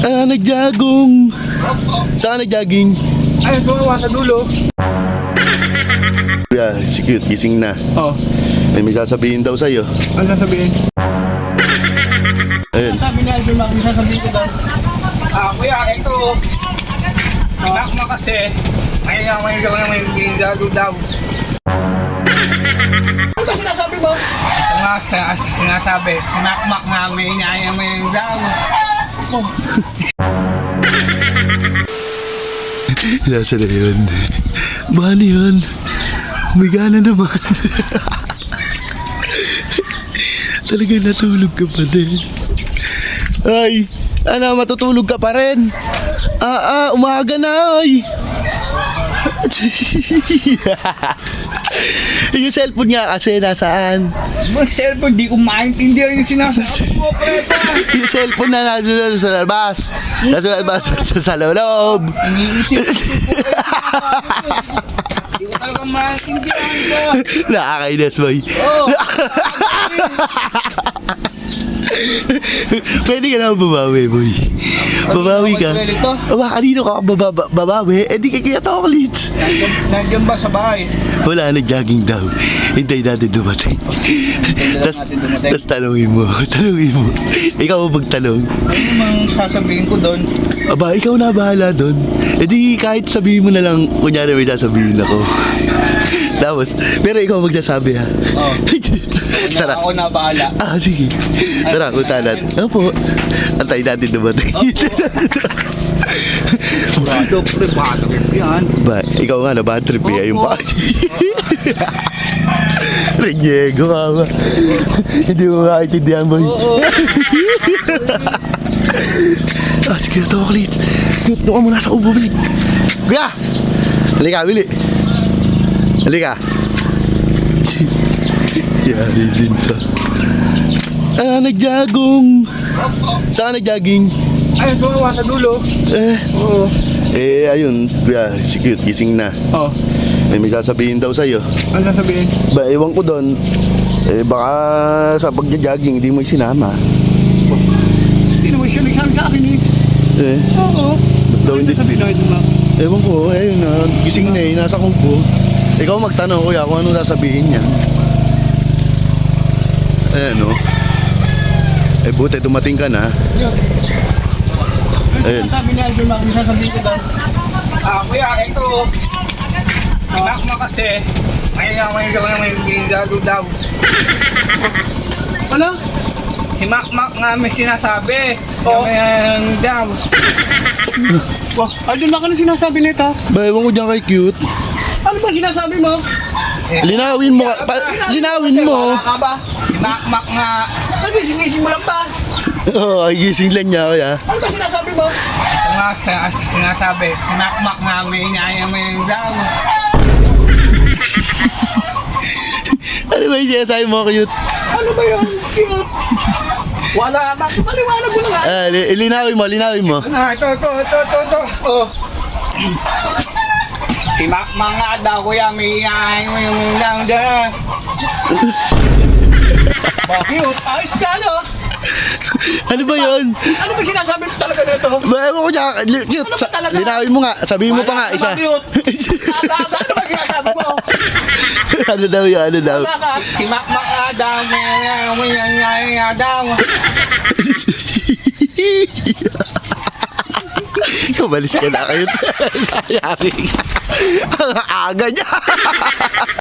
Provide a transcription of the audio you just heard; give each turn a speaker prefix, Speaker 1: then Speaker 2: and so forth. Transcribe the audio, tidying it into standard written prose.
Speaker 1: Nagjagong. Saan nagjaging?
Speaker 2: Ayun, sumawa sa dulo.
Speaker 1: Yeah, si Cute, gising na.
Speaker 2: Oh,
Speaker 1: May sasabihin daw sa'yo.
Speaker 2: ano sasabihin?
Speaker 1: Ayun.
Speaker 2: Sabi niya, Idol Mac, may sasabihin ko daw. Kuya, ito. Inak mo kasi. May gago daw. Ano ba sinasabi mo? Ito nga, sinasabi. Sinakmak namin, inaya mo yung daw. Oh.
Speaker 1: Nasa na yun? Paano yun? Humiga na naman. Talagang natulog ka pa rin. Ay, matutulog ka pa rin. Umaga na ay. Yung cellphone niya kasi nasaan?
Speaker 2: Yung cellphone, di ko maintindihan yung sinasabi mo, prepa.
Speaker 1: Yung cellphone na nandun sa labas. Nasa labas, sa loob.
Speaker 2: Iniisip ko Di ko talaga maintindihan ko.
Speaker 1: Nakakainis, boy.
Speaker 2: Oh.
Speaker 1: Pwede ka naman babawi, boy. Babawi ka. Kanino ka babawi? Eh di ka kaya toklits.
Speaker 2: Nandiyan ba sa bahay?
Speaker 1: Wala, nag-jogging daw. Hintay natin dumating. Tapos tanungin mo. Ikaw ang magtanong.
Speaker 2: Ano namang sasabihin ko doon?
Speaker 1: Aba, ikaw na bahala doon. Eh di kahit sabihin mo na lang, kunyari may sasabihin ako. Tapos, pero ikaw magsasabi ha.
Speaker 2: Oh.
Speaker 1: Tara.
Speaker 2: Ako na bahala.
Speaker 1: Sige. Tara, punta natin. Opo. Antay natin dumating.
Speaker 2: Bado, pre, bado yan.
Speaker 1: Ba, ikaw nga na bad trip eh. Yung pa. Renyego ka ba? Hindi mo makaintindihan boy. Sige, toklits. Doon ka muna sa ubo, bili. Kuya! Halika, bili. Halika. Yari din to. Nagjagong. Saan nagjaging?
Speaker 2: Ayun, sumawa sa dulo. Oo.
Speaker 1: Ayun, kuya, si Cute, gising na.
Speaker 2: Oh,
Speaker 1: May sasabihin daw sa'yo.
Speaker 2: ano sasabihin?
Speaker 1: Ba, ewan ko doon. Baka sa pagja-jogging, hindi mo isinama.
Speaker 2: Hindi naman siya nagsabi sa akin eh. Oo.
Speaker 1: Ba't daw
Speaker 2: Ano
Speaker 1: hindi?
Speaker 2: sasabihin na Idol Mac?
Speaker 1: Ewan ko, ayun na, gising na nasa kubo. Ikaw magtanong, kuya, kung anong sasabihin niya. Ayan, no? Buti, dumating ka na. Ayun.
Speaker 2: Sabi niya, Idol Mac, may sasabihin ko daw. Kuya, ito. Inak mo kasi. May gago daw. Ano? Si Makmak nga may sinasabi. Oo. May daw. Idol Mac, ano sinasabi nito?
Speaker 1: Ba, ewan ko dyan kay Cute.
Speaker 2: Ano ba sinasabi mo?
Speaker 1: Linawin mo, linawin mo.
Speaker 2: Wala ka ba? Si Makmak nga. Nagising-gising mo lang ba?
Speaker 1: Oo, ay gising lang niya, kuya.
Speaker 2: Ano ba sinasabi mo? Ito nga sinasabi. Si Makmak nga may inaya mo yung daw.
Speaker 1: Ano ba yung sinasabi mo, Cute?
Speaker 2: Ano ba yun? Cute? Wala ba? Paliwanag mo na nga.
Speaker 1: Linawin mo.
Speaker 2: Ito. Oh. Si Makmak nga daw, kuya, may inaya mo yung daw dyan. Cute, ayos ka, no?
Speaker 1: Ano ba yun?
Speaker 2: Ano ba sinasabi mo talaga nito?
Speaker 1: Ba, ewan ko dyan, Cute.
Speaker 2: Ano ba talaga?
Speaker 1: Linawin mo nga, sabihin mo pa nga, isa.
Speaker 2: Ano ba sinasabi mo?
Speaker 1: Ano daw yun, ano daw?
Speaker 2: Si Makmak nga daw, may inaya daw.
Speaker 1: Kumalis ka na kayo. Nangyari. Ang aga niya.